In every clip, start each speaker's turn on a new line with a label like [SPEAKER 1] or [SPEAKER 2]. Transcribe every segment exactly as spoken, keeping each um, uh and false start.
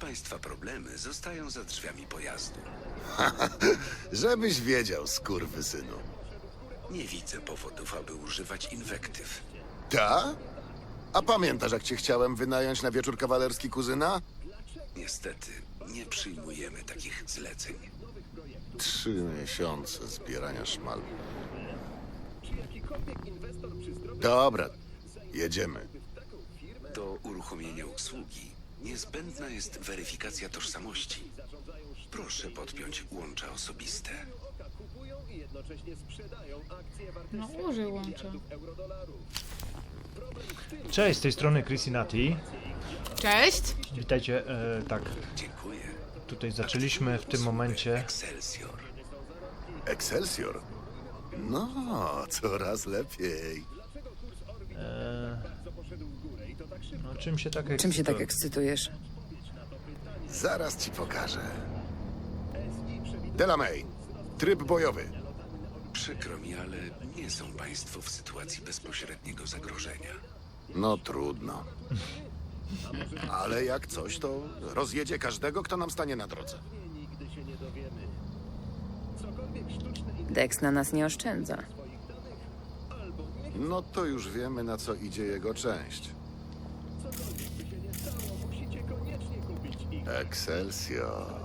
[SPEAKER 1] państwa problemy zostają za drzwiami pojazdu.
[SPEAKER 2] Żebyś wiedział, skurwysynu.
[SPEAKER 1] Nie widzę powodów, aby używać inwektyw.
[SPEAKER 2] Ta? A pamiętasz, jak cię chciałem wynająć na wieczór kawalerski kuzyna?
[SPEAKER 1] Niestety, nie przyjmujemy takich zleceń.
[SPEAKER 2] Trzy miesiące zbierania szmal. Dobra, jedziemy.
[SPEAKER 1] Do uruchomienia usługi niezbędna jest weryfikacja tożsamości. Proszę podpiąć łącza osobiste.
[SPEAKER 3] No użyj łącza.
[SPEAKER 4] Cześć, z tej strony Chrisinati.
[SPEAKER 3] Cześć!
[SPEAKER 4] Witajcie, e, tak,
[SPEAKER 1] Dziękuję.
[SPEAKER 4] tutaj zaczęliśmy w tym momencie.
[SPEAKER 1] Excelsior.
[SPEAKER 2] Excelsior? No, coraz lepiej.
[SPEAKER 4] E, no czym się tak
[SPEAKER 5] Czym się tak
[SPEAKER 4] ekscytuje?
[SPEAKER 5] ekscytujesz?
[SPEAKER 2] Zaraz ci pokażę. Delamay, tryb bojowy.
[SPEAKER 1] Przykro mi, ale nie są państwo w sytuacji bezpośredniego zagrożenia.
[SPEAKER 2] No trudno. Ale jak coś, to rozjedzie każdego, kto nam stanie na drodze.
[SPEAKER 5] Dex na nas nie oszczędza.
[SPEAKER 2] No to już wiemy, na co idzie jego część. Excelsior.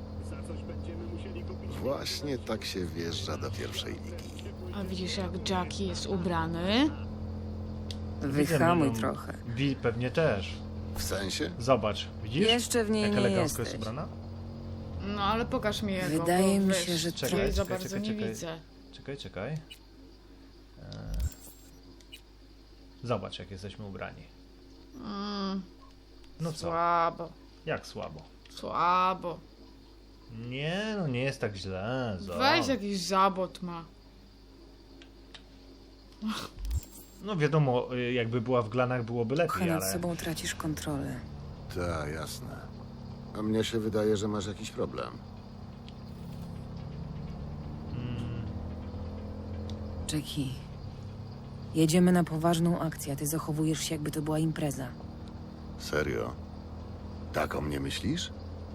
[SPEAKER 2] Właśnie tak się wjeżdża do pierwszej ligi.
[SPEAKER 3] A widzisz, jak Jackie jest ubrany?
[SPEAKER 5] Wyhamuj
[SPEAKER 4] Widzę,
[SPEAKER 5] trochę.
[SPEAKER 4] Wi pewnie też.
[SPEAKER 2] W sensie?
[SPEAKER 4] Zobacz, widzisz?
[SPEAKER 5] Jeszcze w niej
[SPEAKER 4] Jak
[SPEAKER 5] nie
[SPEAKER 4] elegancko jest
[SPEAKER 5] jesteś.
[SPEAKER 4] ubrana?
[SPEAKER 3] No ale pokaż mi jego.
[SPEAKER 5] Wydaje
[SPEAKER 3] bo,
[SPEAKER 5] mi
[SPEAKER 3] wiesz,
[SPEAKER 5] się, że
[SPEAKER 3] tutaj
[SPEAKER 4] Czekaj,
[SPEAKER 3] za
[SPEAKER 4] czekaj,
[SPEAKER 3] bardzo
[SPEAKER 4] czekaj,
[SPEAKER 3] nie
[SPEAKER 4] czekaj.
[SPEAKER 3] widzę.
[SPEAKER 4] Czekaj, czekaj. E, Zobacz, jak jesteśmy ubrani.
[SPEAKER 3] Mm,
[SPEAKER 4] No co?
[SPEAKER 3] słabo,
[SPEAKER 4] Jak słabo?
[SPEAKER 3] słabo.
[SPEAKER 4] Nie, no nie jest tak źle. Zo.
[SPEAKER 3] Weź jakiś zabot ma.
[SPEAKER 4] No wiadomo, y, jakby była w glanach, byłoby lepiej,
[SPEAKER 5] Kochany, nad
[SPEAKER 4] ale...
[SPEAKER 5] sobą tracisz kontrolę.
[SPEAKER 2] Tak, jasne. A mnie się wydaje, że masz jakiś problem.
[SPEAKER 4] Mm,
[SPEAKER 5] Jackie, jedziemy na poważną akcję, a ty zachowujesz się, jakby to była impreza.
[SPEAKER 2] Serio? Tak o mnie myślisz?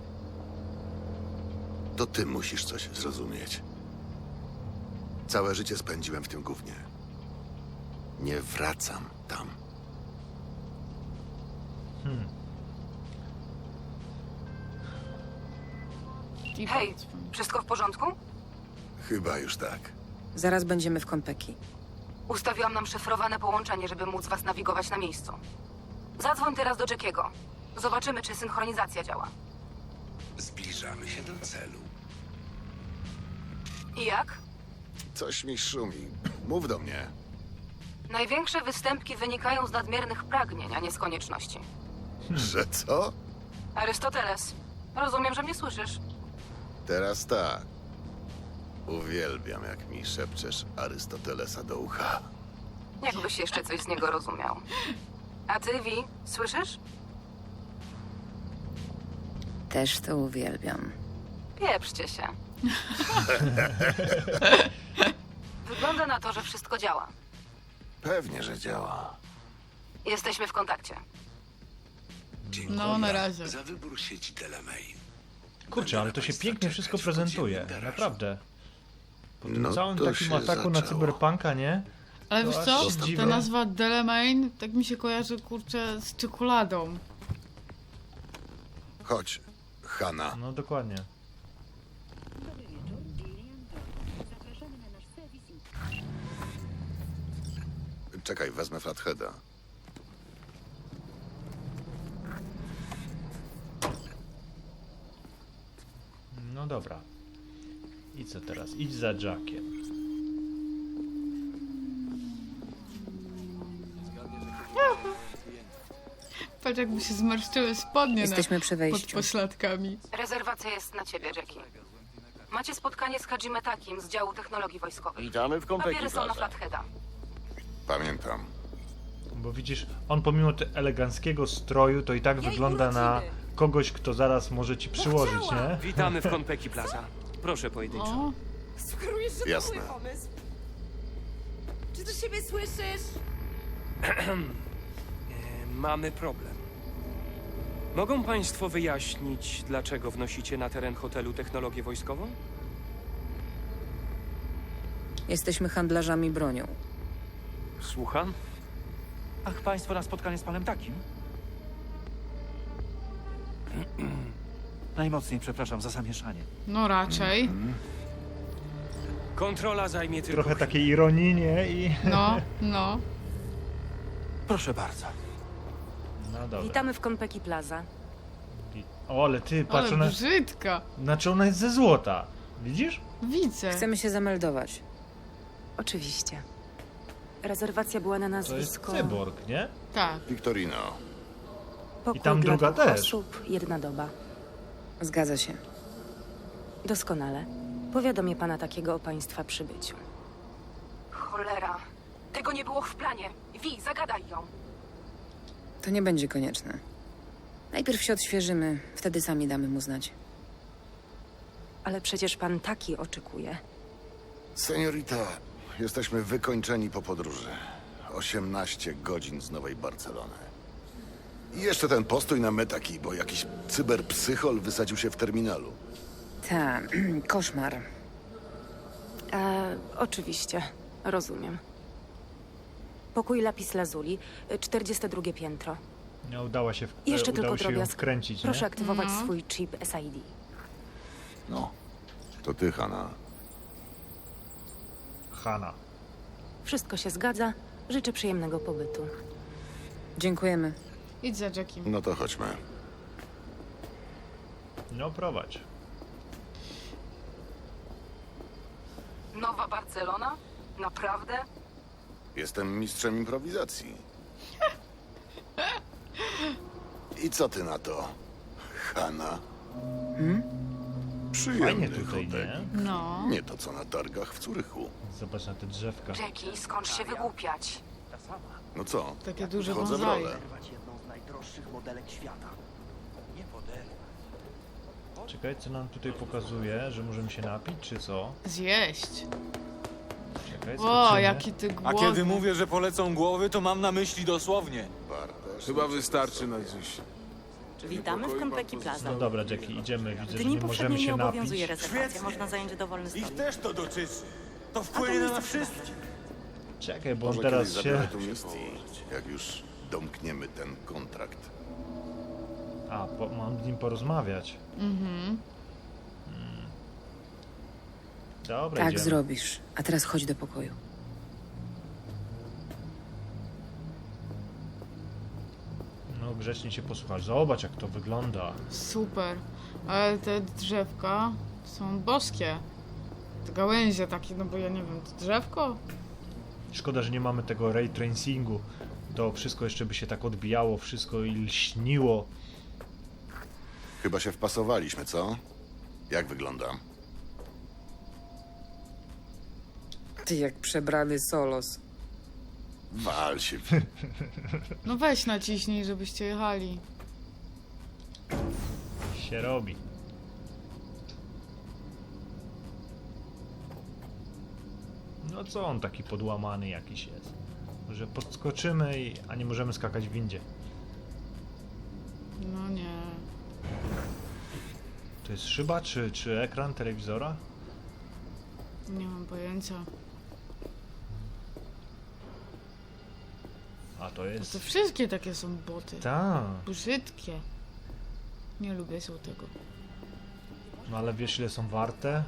[SPEAKER 2] To ty musisz coś zrozumieć. Całe życie spędziłem w tym gównie. Nie wracam tam.
[SPEAKER 4] hmm.
[SPEAKER 3] I
[SPEAKER 6] Hej,
[SPEAKER 3] powiedz mi.
[SPEAKER 6] wszystko w porządku?
[SPEAKER 2] Chyba już tak.
[SPEAKER 5] Zaraz będziemy w Konpeki.
[SPEAKER 6] Ustawiłam nam szyfrowane połączenie, żeby móc was nawigować na miejscu. Zadzwoń teraz do Jackiego. Zobaczymy, czy synchronizacja działa.
[SPEAKER 1] Zbliżamy się do celu.
[SPEAKER 6] I jak?
[SPEAKER 2] Coś mi szumi. Mów do mnie.
[SPEAKER 6] Największe występki wynikają z nadmiernych pragnień, a nie z konieczności.
[SPEAKER 2] Że co?
[SPEAKER 6] Arystoteles, rozumiem, że mnie słyszysz.
[SPEAKER 2] Teraz tak. Uwielbiam, jak mi szepczesz Arystotelesa do ucha.
[SPEAKER 6] Jakbyś jeszcze coś z niego rozumiał. A ty, Vi, słyszysz?
[SPEAKER 5] Też to uwielbiam.
[SPEAKER 6] Pieprzcie się. Wygląda na to, że wszystko działa.
[SPEAKER 2] Pewnie, że działa.
[SPEAKER 6] Jesteśmy w kontakcie.
[SPEAKER 1] Dziękuję
[SPEAKER 3] No, na razie.
[SPEAKER 1] za wybór sieci Delamay.
[SPEAKER 4] Kurczę, ale to się pięknie wszystko prezentuje, naprawdę. Po tym
[SPEAKER 2] No
[SPEAKER 4] całym
[SPEAKER 2] to
[SPEAKER 4] takim
[SPEAKER 2] się
[SPEAKER 4] ataku na
[SPEAKER 2] zaczęło.
[SPEAKER 4] cyberpunka, nie?
[SPEAKER 3] Ale
[SPEAKER 4] To
[SPEAKER 3] wiesz
[SPEAKER 4] aż
[SPEAKER 3] co?
[SPEAKER 4] się
[SPEAKER 3] Ta
[SPEAKER 4] dziwię.
[SPEAKER 3] nazwa Delamain tak mi się kojarzy, kurczę, z czekoladą.
[SPEAKER 2] Chodź, Hanna.
[SPEAKER 4] No dokładnie.
[SPEAKER 2] Czekaj, wezmę Flatheada.
[SPEAKER 4] No dobra. I co teraz? Idź za Jackiem.
[SPEAKER 3] Patrz, jakby się zmarszczyły spodnie
[SPEAKER 5] Jesteśmy
[SPEAKER 3] na,
[SPEAKER 5] przy
[SPEAKER 3] pod
[SPEAKER 5] wejściu.
[SPEAKER 3] pośladkami.
[SPEAKER 6] Rezerwacja jest na ciebie, Jackie. Macie spotkanie z Hajime Takim z działu technologii wojskowych.
[SPEAKER 7] Witamy w Konpeki
[SPEAKER 6] Papiery są na
[SPEAKER 7] Plaza.
[SPEAKER 6] Flatheada.
[SPEAKER 2] Pamiętam.
[SPEAKER 4] Bo widzisz, on pomimo te eleganckiego stroju, to i tak wygląda na kogoś, kto zaraz może ci przyłożyć, nie?
[SPEAKER 7] Witamy w Konpeki Plaza. Proszę pojedynczo.
[SPEAKER 3] O,
[SPEAKER 8] Sugerujesz, że
[SPEAKER 2] Jasne.
[SPEAKER 8] to mój pomysł? Czy do siebie słyszysz?
[SPEAKER 7] E, mamy problem. Mogą państwo wyjaśnić, dlaczego wnosicie na teren hotelu technologię wojskową?
[SPEAKER 5] Jesteśmy handlarzami bronią.
[SPEAKER 7] Słucham?
[SPEAKER 9] Ach, państwo na spotkanie z panem takim? Najmocniej przepraszam za zamieszanie.
[SPEAKER 3] No raczej.
[SPEAKER 7] Kontrola zajmie tylko
[SPEAKER 4] Trochę
[SPEAKER 7] chwilę.
[SPEAKER 4] takiej ironii, nie? I...
[SPEAKER 3] No, no.
[SPEAKER 9] Proszę bardzo.
[SPEAKER 4] No dobra.
[SPEAKER 6] Witamy w Konpeki Plaza.
[SPEAKER 4] O, ale ty, patrz,
[SPEAKER 3] Ale
[SPEAKER 4] ona...
[SPEAKER 3] brzydka.
[SPEAKER 4] Znaczy ona jest ze złota. Widzisz?
[SPEAKER 3] Widzę.
[SPEAKER 5] Chcemy się zameldować.
[SPEAKER 6] Oczywiście. Rezerwacja była na
[SPEAKER 4] To jest
[SPEAKER 6] nazwisko...
[SPEAKER 4] cyborg, nie?
[SPEAKER 3] Tak.
[SPEAKER 2] Victorino,
[SPEAKER 6] Pokój
[SPEAKER 4] I tam
[SPEAKER 6] dla
[SPEAKER 4] druga
[SPEAKER 6] dwóch
[SPEAKER 4] też.
[SPEAKER 6] osób, jedna doba.
[SPEAKER 5] Zgadza się.
[SPEAKER 6] Doskonale. Powiadomię pana takiego o państwa przybyciu. Cholera. Tego nie było w planie. Wi, zagadaj ją.
[SPEAKER 5] To nie będzie konieczne. Najpierw się odświeżymy, wtedy sami damy mu znać.
[SPEAKER 6] Ale przecież pan taki oczekuje.
[SPEAKER 2] seniorita, jesteśmy wykończeni po podróży. osiemnaście godzin z Nowej Barcelony. I jeszcze ten postój na metaki, bo jakiś cyberpsychol wysadził się w terminalu.
[SPEAKER 5] Ta, koszmar.
[SPEAKER 6] E, oczywiście. Rozumiem. Pokój Lapis Lazuli, czterdzieste drugie piętro.
[SPEAKER 4] Nie udało się, w...
[SPEAKER 6] Jeszcze
[SPEAKER 4] e,
[SPEAKER 6] tylko
[SPEAKER 4] udało się ją
[SPEAKER 6] drobiazg.
[SPEAKER 4] wkręcić,
[SPEAKER 6] Proszę
[SPEAKER 4] nie?
[SPEAKER 6] aktywować
[SPEAKER 3] No.
[SPEAKER 6] swój chip S I D.
[SPEAKER 2] No, to ty, Hanna.
[SPEAKER 4] Hanna.
[SPEAKER 6] Wszystko się zgadza. Życzę przyjemnego pobytu.
[SPEAKER 5] Dziękujemy.
[SPEAKER 3] Idź za Jackiem.
[SPEAKER 2] No to chodźmy.
[SPEAKER 4] No prowadź.
[SPEAKER 6] Nowa Barcelona? Naprawdę?
[SPEAKER 2] Jestem mistrzem improwizacji. I co ty na to, Hanna?
[SPEAKER 5] Hmm?
[SPEAKER 2] Przyjemny
[SPEAKER 4] Fajnie tutaj,
[SPEAKER 2] hotel.
[SPEAKER 4] nie?
[SPEAKER 3] No.
[SPEAKER 2] Nie to co na targach w Curychu.
[SPEAKER 4] Zobacz na te drzewka.
[SPEAKER 6] Jackie, skąd się wygłupiać?
[SPEAKER 2] No co?
[SPEAKER 3] Takie duże
[SPEAKER 2] Wchodzę w
[SPEAKER 3] bonsai.
[SPEAKER 2] rolę.
[SPEAKER 9] jedną z najdroższych modelek świata. Nie model.
[SPEAKER 4] Czekaj, co nam tutaj pokazuje, że możemy się napić, czy co?
[SPEAKER 3] Zjeść.
[SPEAKER 4] Czekaj,
[SPEAKER 3] O,
[SPEAKER 4] zobaczymy.
[SPEAKER 3] jaki ty
[SPEAKER 10] A
[SPEAKER 3] głodny.
[SPEAKER 10] kiedy mówię, że polecą głowy, to mam na myśli dosłownie.
[SPEAKER 2] Chyba wystarczy na dziś.
[SPEAKER 11] Witamy w Konpeki Plaza.
[SPEAKER 4] No dobra, Jackie, idziemy. Widzę,
[SPEAKER 11] W
[SPEAKER 4] że
[SPEAKER 11] dni
[SPEAKER 4] nie możemy
[SPEAKER 11] powszedniej
[SPEAKER 4] się
[SPEAKER 11] nie
[SPEAKER 4] napić.
[SPEAKER 11] obowiązuje rezerwacja.
[SPEAKER 10] Świetnie.
[SPEAKER 11] Można zająć dowolny
[SPEAKER 10] Ich
[SPEAKER 11] stolik.
[SPEAKER 10] też to dotyczy. To wpłynie na nas wszystkich.
[SPEAKER 4] Czekaj, bo on
[SPEAKER 2] Może
[SPEAKER 4] teraz
[SPEAKER 2] kiedyś
[SPEAKER 4] się...
[SPEAKER 2] zabiorę tu misji, jak już domkniemy ten kontrakt.
[SPEAKER 4] A, po, mam z nim porozmawiać.
[SPEAKER 3] Mhm.
[SPEAKER 4] Dobra,
[SPEAKER 5] Tak
[SPEAKER 4] idziemy.
[SPEAKER 5] zrobisz. A teraz chodź do pokoju.
[SPEAKER 4] No grzecznie się posłuchasz. Zobacz, jak to wygląda.
[SPEAKER 3] Super. Ale te drzewka są boskie. Te gałęzie takie, no bo ja nie wiem, to drzewko?
[SPEAKER 4] Szkoda, że nie mamy tego ray tracingu. To wszystko jeszcze by się tak odbijało, wszystko i lśniło.
[SPEAKER 2] Chyba się wpasowaliśmy, co? Jak wyglądam?
[SPEAKER 5] Ty jak przebrany Solos.
[SPEAKER 2] Wal się.
[SPEAKER 3] No weź naciśnij, żebyście jechali.
[SPEAKER 4] Się robi. No co on taki podłamany jakiś jest? Że podskoczymy, i... a nie możemy skakać w windzie.
[SPEAKER 3] No nie.
[SPEAKER 4] To jest szyba, czy, czy ekran telewizora?
[SPEAKER 3] Nie mam pojęcia.
[SPEAKER 4] A to
[SPEAKER 3] No
[SPEAKER 4] jest...
[SPEAKER 3] to wszystkie takie są boty.
[SPEAKER 4] Ta.
[SPEAKER 3] Brzydkie. Nie lubię tego.
[SPEAKER 4] No ale wiesz, ile są warte?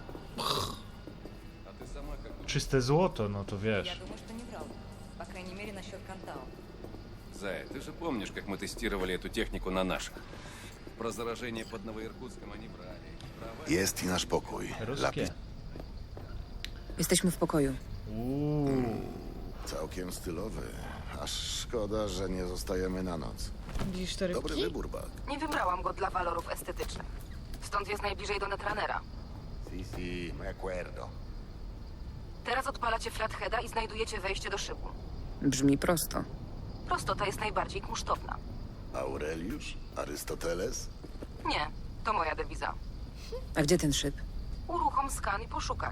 [SPEAKER 4] Czyste złoto, no to wiesz.
[SPEAKER 11] думаю, что не врал. По крайней мере, насчет Кантао.
[SPEAKER 1] Зая, ты же помнишь, как мы тестировали эту технику на наших? Про заражение под Новоиркутском они брали. Права?
[SPEAKER 2] Jest i nasz pokój. Lapis
[SPEAKER 4] Ruskie.
[SPEAKER 5] Jesteśmy w pokoju.
[SPEAKER 4] Uuu.
[SPEAKER 2] całkiem stylowy. Aż szkoda, że nie zostajemy na noc.
[SPEAKER 3] Widzisz te
[SPEAKER 2] Dobry
[SPEAKER 3] rybki?
[SPEAKER 2] wybór, Bak.
[SPEAKER 6] Nie wybrałam go dla walorów estetycznych. Stąd jest najbliżej do Netrunnera.
[SPEAKER 2] Si, si, me acuerdo.
[SPEAKER 6] Teraz odpalacie flatheada i znajdujecie wejście do szybu.
[SPEAKER 5] Brzmi prosto.
[SPEAKER 6] Prostota jest najbardziej kunsztowna.
[SPEAKER 2] Aureliusz? Arystoteles?
[SPEAKER 6] Nie, to moja dewiza.
[SPEAKER 5] A gdzie ten szyb?
[SPEAKER 6] Uruchom skan i poszukaj.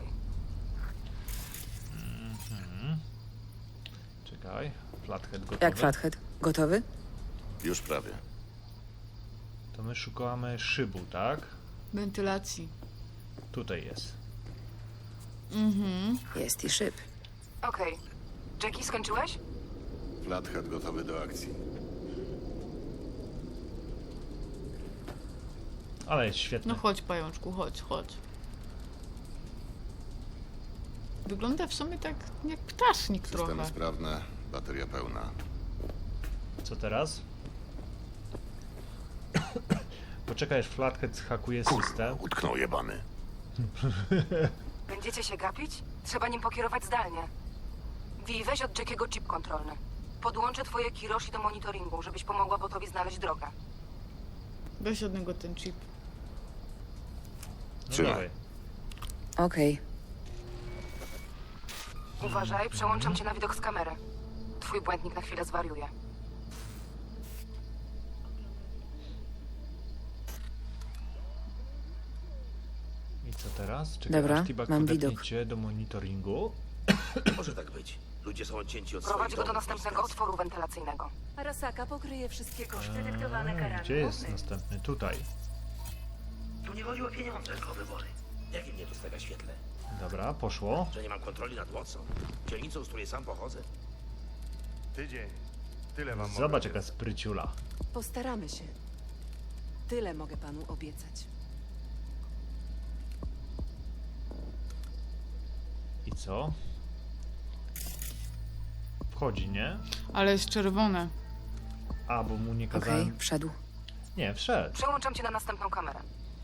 [SPEAKER 4] Czekaj. Flathead gotowy.
[SPEAKER 5] Jak flathead? Gotowy?
[SPEAKER 2] Już prawie.
[SPEAKER 4] To my szukamy szybu, tak?
[SPEAKER 3] Wentylacji.
[SPEAKER 4] Tutaj jest.
[SPEAKER 3] Mhm.
[SPEAKER 5] Jest i szyb.
[SPEAKER 6] Okej. Jackie, skończyłeś?
[SPEAKER 2] Flathead gotowy do akcji.
[SPEAKER 4] Ale jest świetny.
[SPEAKER 3] No chodź, pajączku, chodź, chodź. Wygląda w sumie tak jak ptasznik
[SPEAKER 2] Systemy
[SPEAKER 3] trochę.
[SPEAKER 2] sprawne, bateria pełna.
[SPEAKER 4] Co teraz? Poczekaj, aż Flathead hakuje system.
[SPEAKER 2] Utknął jebany.
[SPEAKER 6] Będziecie się gapić? Trzeba nim pokierować zdalnie. Wi, weź od Jackiego chip kontrolny. Podłączę twoje Kiroshi do monitoringu, żebyś pomogła botowi znaleźć drogę.
[SPEAKER 3] Weź od niego ten chip.
[SPEAKER 4] No
[SPEAKER 2] Trzymaj.
[SPEAKER 4] dawaj.
[SPEAKER 5] Okej.
[SPEAKER 6] Uważaj, przełączam cię na widok z kamery. Twój błędnik na chwilę zwariuje.
[SPEAKER 4] I co teraz? Czekaj,
[SPEAKER 5] Dobra,
[SPEAKER 4] aż T-Bag
[SPEAKER 5] mam
[SPEAKER 4] podepnie
[SPEAKER 5] widok.
[SPEAKER 4] cię do monitoringu.
[SPEAKER 9] Może tak być. Ludzie są odcięci od
[SPEAKER 6] Prowadź
[SPEAKER 9] swoich
[SPEAKER 6] go do
[SPEAKER 9] domów,
[SPEAKER 6] następnego
[SPEAKER 9] pracy.
[SPEAKER 6] otworu wentylacyjnego.
[SPEAKER 11] Arasaka pokryje wszystkie koszty
[SPEAKER 4] Eee,
[SPEAKER 11] dyktowane karami
[SPEAKER 4] gdzie jest
[SPEAKER 11] głównymi.
[SPEAKER 4] następny? Tutaj.
[SPEAKER 9] Tu nie chodzi o pieniądze, tylko o wybory. Jakie mnie dostawia świetle?
[SPEAKER 4] Dobra, poszło.
[SPEAKER 9] Że nie mam kontroli nad mocą. Dzielnicą, z której sam pochodzę.
[SPEAKER 10] Tydzień. Tyle wam
[SPEAKER 4] Zobacz jaka spryciula.
[SPEAKER 6] Postaramy się. Tyle mogę panu obiecać.
[SPEAKER 4] I co? Wchodzi, nie?
[SPEAKER 3] Ale jest czerwone.
[SPEAKER 4] A, bo mu nie
[SPEAKER 5] Okej,
[SPEAKER 4] kazałem...
[SPEAKER 5] wszedł.
[SPEAKER 4] Nie, wszedł.
[SPEAKER 6] Przełączam cię na następną kamerę.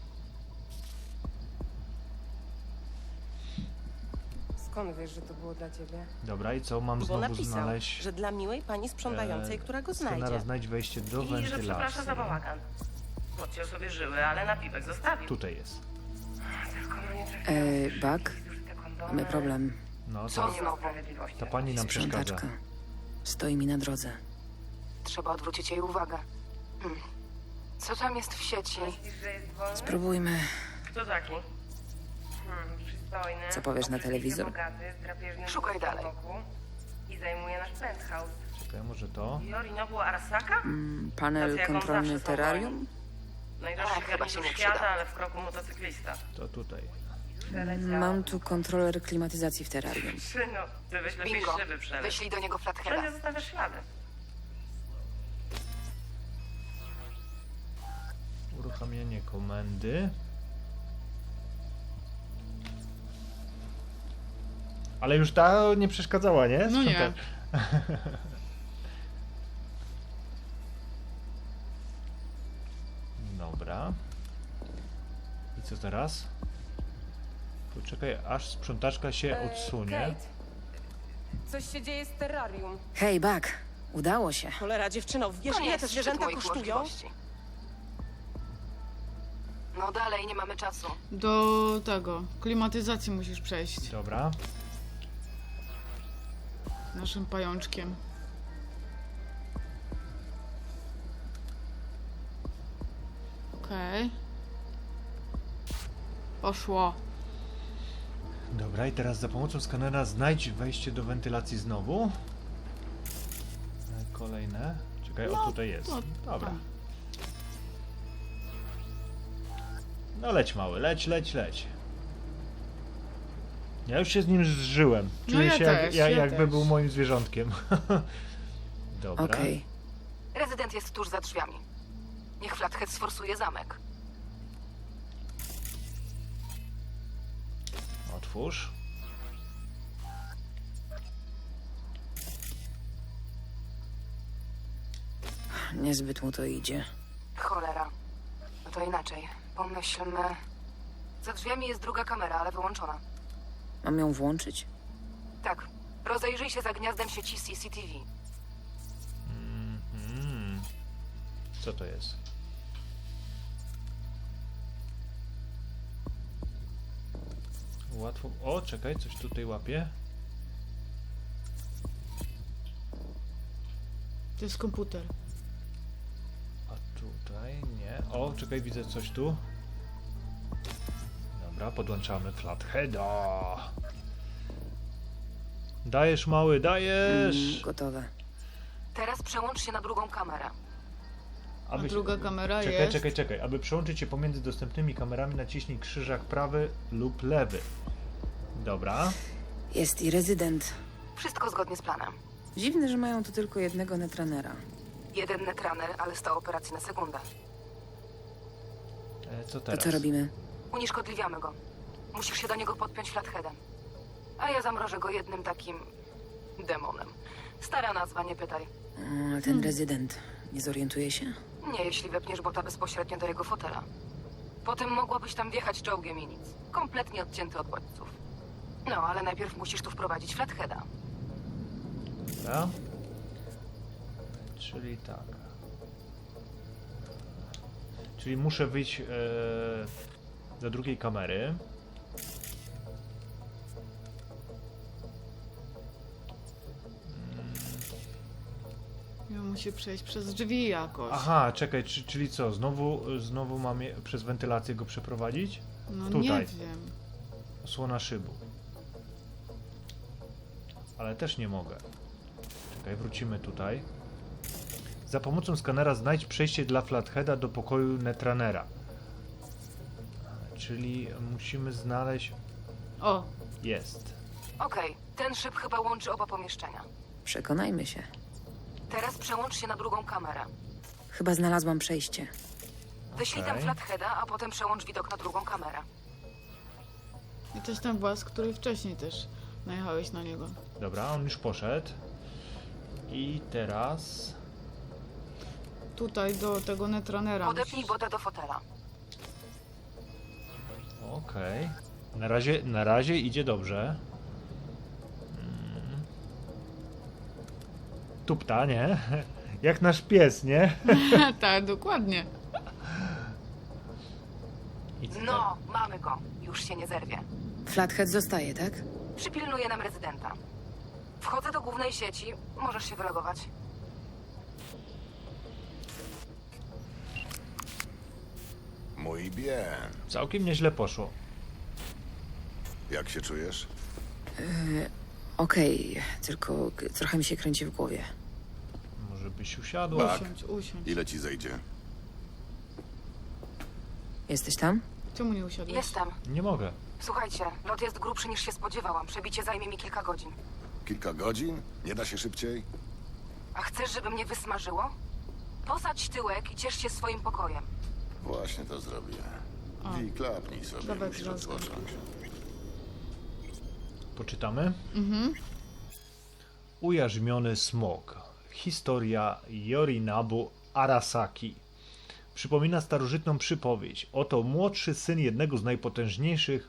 [SPEAKER 12] Skąd wiesz, że to było dla ciebie?
[SPEAKER 4] Dobra, i co? Mam
[SPEAKER 12] Bo
[SPEAKER 4] znowu
[SPEAKER 12] napisał,
[SPEAKER 4] znaleźć...
[SPEAKER 12] że dla miłej pani sprzątającej,
[SPEAKER 4] e,
[SPEAKER 12] która go
[SPEAKER 4] skenera,
[SPEAKER 12] znajdzie.
[SPEAKER 4] znajdź wejście do
[SPEAKER 12] I że
[SPEAKER 4] wentylacji.
[SPEAKER 12] przeprasza za bałagan. Podciął sobie żyły, ale napiwek zostawił.
[SPEAKER 4] Tutaj jest.
[SPEAKER 12] Tylko no nie trafiłam.
[SPEAKER 5] Eee, Bak,
[SPEAKER 12] Te kondomy.
[SPEAKER 5] mamy problem.
[SPEAKER 4] No,
[SPEAKER 6] Co
[SPEAKER 4] to,
[SPEAKER 12] Nie ma sprawiedliwości.
[SPEAKER 4] ta pani nam przeszkadza.
[SPEAKER 5] Sprzątaczka. Stoi mi na drodze.
[SPEAKER 6] Trzeba odwrócić jej uwagę. Hmm. Co tam jest w sieci?
[SPEAKER 12] Myślisz, że jest wolny?
[SPEAKER 5] Spróbujmy.
[SPEAKER 12] Kto taki? Hmm, przystojny.
[SPEAKER 5] Co powiesz na
[SPEAKER 12] obrzydliwie
[SPEAKER 5] telewizor?
[SPEAKER 12] Bogaty, z drapieżnym
[SPEAKER 6] Szukaj
[SPEAKER 12] włosem
[SPEAKER 6] dalej.
[SPEAKER 12] wokół I zajmuje nasz penthouse.
[SPEAKER 4] Czekaj, może to?
[SPEAKER 12] Yorinobu Arasaka?
[SPEAKER 5] Mm, panel
[SPEAKER 12] Tacy jak on
[SPEAKER 5] kontrolny
[SPEAKER 12] zawsze są
[SPEAKER 5] terrarium?
[SPEAKER 12] Najdroższy
[SPEAKER 6] Ach, chyba się
[SPEAKER 12] garnitur
[SPEAKER 6] nie
[SPEAKER 12] świata,
[SPEAKER 6] przyda.
[SPEAKER 12] ale w kroku motocyklista.
[SPEAKER 4] To tutaj.
[SPEAKER 12] Przeleciał.
[SPEAKER 5] Mam tu kontroler klimatyzacji w terrarium.
[SPEAKER 12] Synu, ty byś lepiej
[SPEAKER 6] Bingo.
[SPEAKER 12] szyby przeleć.
[SPEAKER 6] Wyślij do niego
[SPEAKER 12] Wszędzie
[SPEAKER 6] Flatheada.
[SPEAKER 12] zostawiasz ślady.
[SPEAKER 4] Uruchamianie komendy. Ale już ta nie przeszkadzała, nie?
[SPEAKER 3] No nie.
[SPEAKER 4] Sprząta- Dobra. I co teraz? Poczekaj, aż sprzątaczka się odsunie.
[SPEAKER 12] Coś się dzieje z terrarium.
[SPEAKER 5] Hej, Bak, udało się.
[SPEAKER 12] Cholera, dziewczyno, wiesz
[SPEAKER 6] To nie
[SPEAKER 12] ile te
[SPEAKER 6] jest
[SPEAKER 12] zwierzęta
[SPEAKER 6] szczyt moich
[SPEAKER 12] kosztują?
[SPEAKER 6] możliwości. No dalej, nie mamy czasu.
[SPEAKER 3] Do tego. Klimatyzacji musisz przejść.
[SPEAKER 4] Dobra.
[SPEAKER 3] Naszym pajączkiem. Okej. Poszło.
[SPEAKER 4] Dobra, i teraz za pomocą skanera znajdź wejście do wentylacji znowu. E, Kolejne. Czekaj, o tutaj jest.
[SPEAKER 3] no,
[SPEAKER 4] Dobra.
[SPEAKER 3] tam.
[SPEAKER 4] No leć mały, leć, leć, leć. Ja już się z nim zżyłem.
[SPEAKER 3] No
[SPEAKER 4] Czuję
[SPEAKER 3] ja
[SPEAKER 4] się jak,
[SPEAKER 3] też,
[SPEAKER 4] ja,
[SPEAKER 3] ja
[SPEAKER 4] jakby
[SPEAKER 3] też.
[SPEAKER 4] był moim zwierzątkiem. Dobra.
[SPEAKER 5] Okej.
[SPEAKER 6] Rezydent jest tuż za drzwiami. Niech Flathead sforsuje zamek.
[SPEAKER 4] Otwórz.
[SPEAKER 5] Niezbyt mu to idzie.
[SPEAKER 6] Cholera. No to inaczej. Pomyślmy... Za drzwiami jest druga kamera, ale wyłączona.
[SPEAKER 5] Mam ją włączyć?
[SPEAKER 6] Tak. Rozejrzyj się za gniazdem sieci C C T V.
[SPEAKER 4] Mhm. Co to jest? Łatwo. O, czekaj, coś tutaj łapie.
[SPEAKER 3] To jest komputer.
[SPEAKER 4] A tutaj nie. O, czekaj, widzę coś tu. Dobra, podłączamy Flatheada. Dajesz, mały, dajesz!
[SPEAKER 5] Mm, gotowe.
[SPEAKER 6] Teraz przełącz się na drugą kamerę.
[SPEAKER 3] A
[SPEAKER 4] Aby się-
[SPEAKER 3] druga kamera
[SPEAKER 4] Czekaj,
[SPEAKER 3] jest...
[SPEAKER 4] czekaj, czekaj. Aby przełączyć się pomiędzy dostępnymi kamerami, naciśnij krzyżak prawy lub lewy. Dobra.
[SPEAKER 5] Jest i rezydent.
[SPEAKER 6] Wszystko zgodnie z planem.
[SPEAKER 5] Dziwne, że mają tu tylko jednego netranera.
[SPEAKER 6] Jeden netraner, ale sto operacji na sekundę.
[SPEAKER 4] E, co
[SPEAKER 5] To
[SPEAKER 4] teraz?
[SPEAKER 5] co robimy?
[SPEAKER 6] Unieszkodliwiamy go. Musisz się do niego podpiąć flatheadem. A ja zamrożę go jednym takim... demonem. Stara nazwa, nie pytaj.
[SPEAKER 5] O, ale ten rezydent nie zorientuje się?
[SPEAKER 6] Nie, jeśli wepniesz bota bezpośrednio do jego fotela. Potem mogłabyś tam wjechać czołgiem i nic. Kompletnie odcięty od bodźców. No, ale najpierw musisz tu wprowadzić flatheada.
[SPEAKER 4] Dobra. Czyli tak. Czyli muszę wyjść e, do drugiej kamery.
[SPEAKER 3] Ja musi przejść przez drzwi jakoś.
[SPEAKER 4] Aha, czekaj, czy, czyli co? Znowu, znowu mam je, przez wentylację go przeprowadzić?
[SPEAKER 3] No
[SPEAKER 4] Tutaj.
[SPEAKER 3] nie wiem.
[SPEAKER 4] Osłona szybu. Ale też nie mogę. Czekaj, wrócimy tutaj. Za pomocą skanera znajdź przejście dla Flatheada do pokoju Netranera. Czyli musimy znaleźć...
[SPEAKER 3] O,
[SPEAKER 4] Jest.
[SPEAKER 6] Okej, ten szyb chyba łączy oba pomieszczenia.
[SPEAKER 5] Przekonajmy się.
[SPEAKER 6] Teraz przełącz się na drugą kamerę.
[SPEAKER 5] Chyba znalazłam przejście.
[SPEAKER 6] Wyślij tam
[SPEAKER 4] Okej.
[SPEAKER 6] flatheada, a potem przełącz widok na drugą kamerę.
[SPEAKER 3] i też ten włas, który wcześniej też najechałeś na niego.
[SPEAKER 4] Dobra, on już poszedł. I teraz...
[SPEAKER 3] Tutaj do tego netranera
[SPEAKER 6] Podepnij
[SPEAKER 3] musisz.
[SPEAKER 6] bota do fotela.
[SPEAKER 4] Okej. Na razie, na razie idzie dobrze. Mm. Tupta, nie? Jak nasz pies, nie?
[SPEAKER 3] Tak, dokładnie.
[SPEAKER 4] I co
[SPEAKER 6] No, mamy go. Już się nie zerwie.
[SPEAKER 5] Flathead zostaje, tak?
[SPEAKER 6] Przypilnuje nam rezydenta. Wchodzę do głównej sieci. Możesz się wylogować.
[SPEAKER 2] Mój bien.
[SPEAKER 4] Całkiem nieźle poszło.
[SPEAKER 2] Jak się czujesz?
[SPEAKER 5] Okej, tylko k- trochę mi się kręci w głowie.
[SPEAKER 4] Może byś usiadła?
[SPEAKER 2] Tak.
[SPEAKER 3] Usiądź, usiądź.
[SPEAKER 2] Ile ci zejdzie?
[SPEAKER 5] Jesteś tam?
[SPEAKER 3] Czemu nie usiadłeś?
[SPEAKER 6] Jestem.
[SPEAKER 4] Nie mogę.
[SPEAKER 6] Słuchajcie, lot jest grubszy niż się spodziewałam. Przebicie zajmie mi kilka godzin.
[SPEAKER 2] Kilka godzin? Nie da się szybciej?
[SPEAKER 6] A chcesz, żeby mnie wysmażyło? Posadź tyłek i ciesz się swoim pokojem.
[SPEAKER 2] Właśnie to zrobię.
[SPEAKER 3] O.
[SPEAKER 2] I klapnij sobie,
[SPEAKER 3] Dawaj,
[SPEAKER 2] musisz
[SPEAKER 3] klapnij.
[SPEAKER 2] odpocząć.
[SPEAKER 4] Poczytamy?
[SPEAKER 3] Mhm.
[SPEAKER 4] Ujarzmiony smok. Historia Yorinabu Arasaki. Przypomina starożytną przypowieść. Oto młodszy syn jednego z najpotężniejszych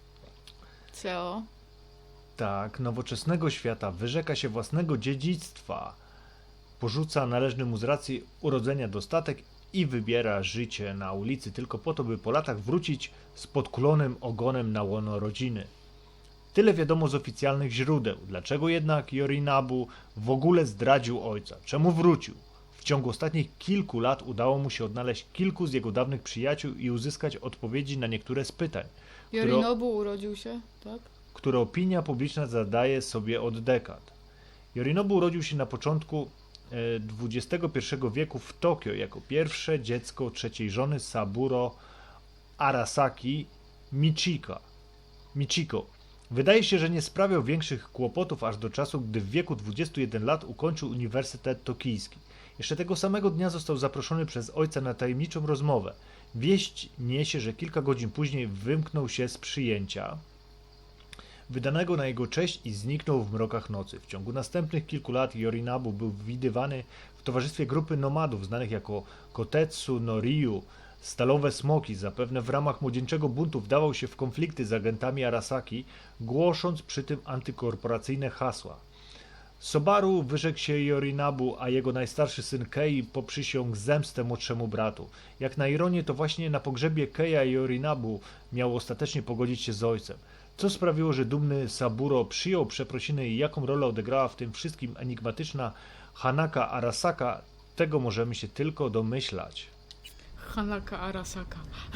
[SPEAKER 3] Co?
[SPEAKER 4] tak, nowoczesnego świata wyrzeka się własnego dziedzictwa. Porzuca należny mu z racji urodzenia dostatek i wybiera życie na ulicy tylko po to, by po latach wrócić z podkulonym ogonem na łono rodziny. Tyle wiadomo z oficjalnych źródeł. Dlaczego jednak Yorinabu w ogóle zdradził ojca? Czemu wrócił? W ciągu ostatnich kilku lat udało mu się odnaleźć kilku z jego dawnych przyjaciół i uzyskać odpowiedzi na niektóre z pytań, które,
[SPEAKER 3] Yorinobu urodził się, tak?
[SPEAKER 4] które opinia publiczna zadaje sobie od dekad. Yorinobu urodził się na początku e, dwudziestego pierwszego wieku w Tokio jako pierwsze dziecko trzeciej żony Saburo Arasaki Michika. Michiko. Wydaje się, że nie sprawiał większych kłopotów aż do czasu, gdy w wieku dwudziestu jeden lat ukończył Uniwersytet Tokijski. Jeszcze tego samego dnia został zaproszony przez ojca na tajemniczą rozmowę. Wieść niesie, że kilka godzin później wymknął się z przyjęcia wydanego na jego cześć i zniknął w mrokach nocy. W ciągu następnych kilku lat Yorinabu był widywany w towarzystwie grupy nomadów znanych jako Kotetsu no Ryu, stalowe smoki. Zapewne w ramach młodzieńczego buntu wdawał się w konflikty z agentami Arasaki, głosząc przy tym antykorporacyjne hasła. Sobaru wyrzekł się Yorinabu, a jego najstarszy syn Kei poprzysiągł zemstę młodszemu bratu. Jak na ironię, to właśnie na pogrzebie Keia Yorinabu miał ostatecznie pogodzić się z ojcem. Co sprawiło, że dumny Saburo przyjął przeprosiny i jaką rolę odegrała w tym wszystkim enigmatyczna Hanaka Arasaka, tego możemy się tylko domyślać.
[SPEAKER 3] Hanaka Arasaka.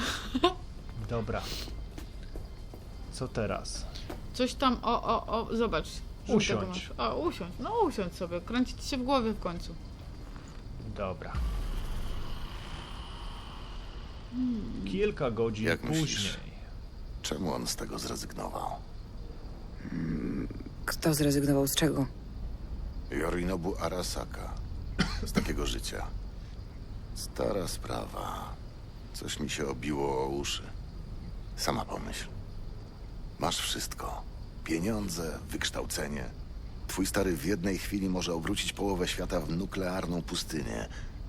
[SPEAKER 4] Dobra. Co teraz?
[SPEAKER 3] Coś tam, o, o, o, zobacz. żółtego
[SPEAKER 4] Usiądź.
[SPEAKER 3] masz. O, usiądź. No usiądź sobie, kręci ci się w głowie w końcu.
[SPEAKER 4] Dobra. Kilka godzin
[SPEAKER 2] Jak
[SPEAKER 4] później.
[SPEAKER 2] myślisz? Czemu on z tego zrezygnował?
[SPEAKER 5] Kto zrezygnował z czego?
[SPEAKER 2] Yorinobu Arasaka. Z takiego życia. Stara sprawa. Coś mi się obiło o uszy. Sama pomyśl. Masz wszystko. Pieniądze, wykształcenie. Twój stary w jednej chwili może obrócić połowę świata w nuklearną pustynię.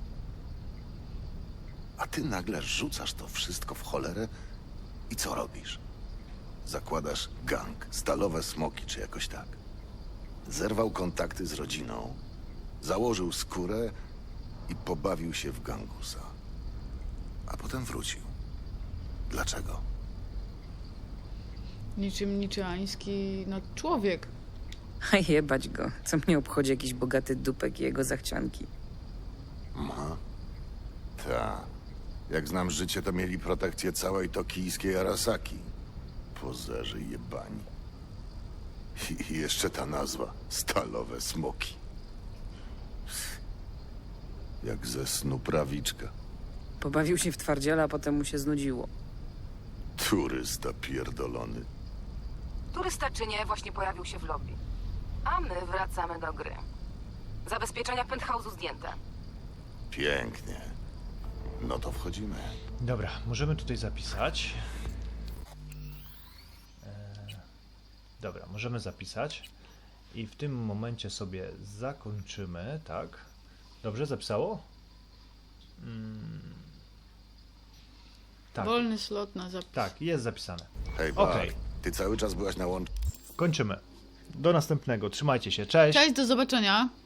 [SPEAKER 2] A ty nagle rzucasz to wszystko w cholerę i co robisz? Zakładasz gang, stalowe smoki czy jakoś tak. Zerwał kontakty z rodziną, założył skórę i pobawił się w gangusa. A potem wrócił. Dlaczego?
[SPEAKER 3] Niczym niczeański, no człowiek.
[SPEAKER 5] A jebać go. Co mnie obchodzi jakiś bogaty dupek i jego zachcianki.
[SPEAKER 2] Ma? Ta. Jak znam życie, to mieli protekcję całej tokijskiej Arasaki. Pozerzy jebani. I i jeszcze ta nazwa. Stalowe smoki. Jak ze snu prawiczka.
[SPEAKER 5] Pobawił się w twardziela, a potem mu się znudziło.
[SPEAKER 2] Turysta pierdolony.
[SPEAKER 6] Turysta czy nie, właśnie pojawił się w lobby. A my wracamy do gry. Zabezpieczenia penthouse'u zdjęte.
[SPEAKER 2] Pięknie. No to wchodzimy.
[SPEAKER 4] Dobra, możemy tutaj zapisać. Eee, dobra, możemy zapisać. I w tym momencie sobie zakończymy, tak? Dobrze, zapisało? Mm. Tak,
[SPEAKER 3] Wolny slot na zapis.
[SPEAKER 4] tak, jest zapisane.
[SPEAKER 2] Hej, Bart,
[SPEAKER 4] Okej.
[SPEAKER 2] ty cały czas byłaś na łącz...
[SPEAKER 4] Kończymy. Do następnego. Trzymajcie się. Cześć.
[SPEAKER 3] Cześć, do zobaczenia.